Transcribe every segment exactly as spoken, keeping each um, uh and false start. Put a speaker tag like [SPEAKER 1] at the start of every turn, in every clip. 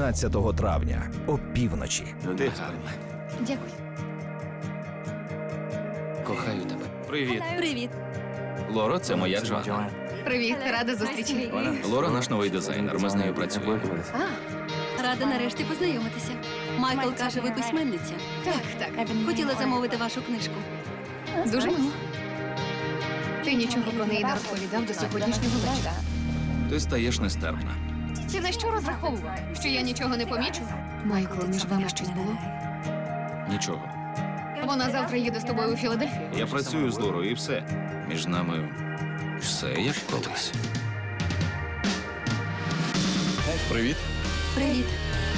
[SPEAKER 1] тринадцятого травня о півночі.
[SPEAKER 2] Ти гарна.
[SPEAKER 3] Дякую.
[SPEAKER 2] Кохаю тебе. Привіт.
[SPEAKER 4] Привіт.
[SPEAKER 2] Лоро, це моя Джоанна.
[SPEAKER 3] Привіт, рада зустрічі.
[SPEAKER 2] Лора наш новий дизайнер, ми з нею працюємо.
[SPEAKER 4] Рада нарешті познайомитися. Майкл каже, ви письменниця.
[SPEAKER 3] Так, так.
[SPEAKER 4] Хотіла замовити вашу книжку.
[SPEAKER 3] Дуже мило. Ти нічого про неї не розповідав до сьогоднішнього вечора.
[SPEAKER 2] Ти стаєш нестерпна.
[SPEAKER 3] Ти на що розраховував? Що я нічого не помічу? Майкл, між вами щось було?
[SPEAKER 2] Нічого.
[SPEAKER 3] Вона завтра їде з тобою у Філадельфію.
[SPEAKER 2] Я працюю з Лорою і все. Між нами все як колись.
[SPEAKER 5] Привіт.
[SPEAKER 4] Привіт.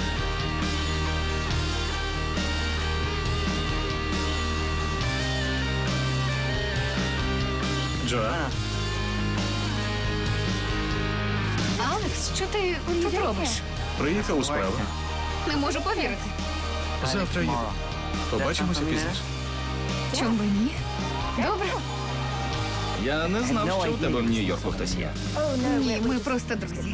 [SPEAKER 5] Джоанна.
[SPEAKER 3] Алекс, що ти тут робиш?
[SPEAKER 5] Приїхав у справу.
[SPEAKER 3] Не можу повірити.
[SPEAKER 5] Завтра їду. Побачимося пізніше.
[SPEAKER 3] Чом би ні? Добре.
[SPEAKER 2] Я не знав, що у тебе в Нью-Йорку хтось є.
[SPEAKER 3] Ні, ми просто друзі.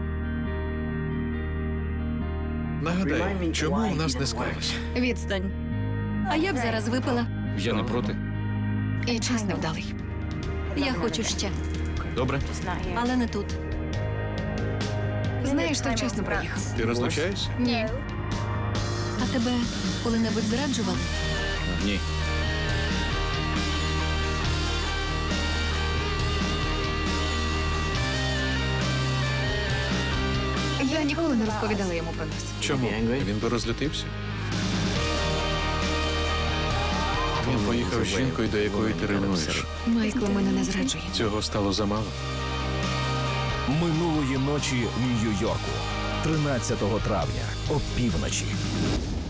[SPEAKER 5] Нагадай, чому у нас не склалося?
[SPEAKER 3] Відстань.
[SPEAKER 4] А я б зараз випила.
[SPEAKER 2] Я не проти.
[SPEAKER 3] І час невдалий.
[SPEAKER 4] Я хочу ще,
[SPEAKER 2] Добре?
[SPEAKER 4] але не тут.
[SPEAKER 3] Знаєш, ти вчасно приїхав.
[SPEAKER 5] Ти розлучаєшся?
[SPEAKER 3] Ні.
[SPEAKER 4] А тебе коли-небудь зраджували?
[SPEAKER 2] Ні.
[SPEAKER 3] Я ніколи не розповідала йому про нас.
[SPEAKER 5] Чому? Він би розлютився. Він поїхав з жінкою, до якої ти ревнуєш.
[SPEAKER 3] Майкл мене не зраджує.
[SPEAKER 5] Цього стало замало.
[SPEAKER 1] Минулої ночі в Нью-Йорку тринадцятого травня о півночі.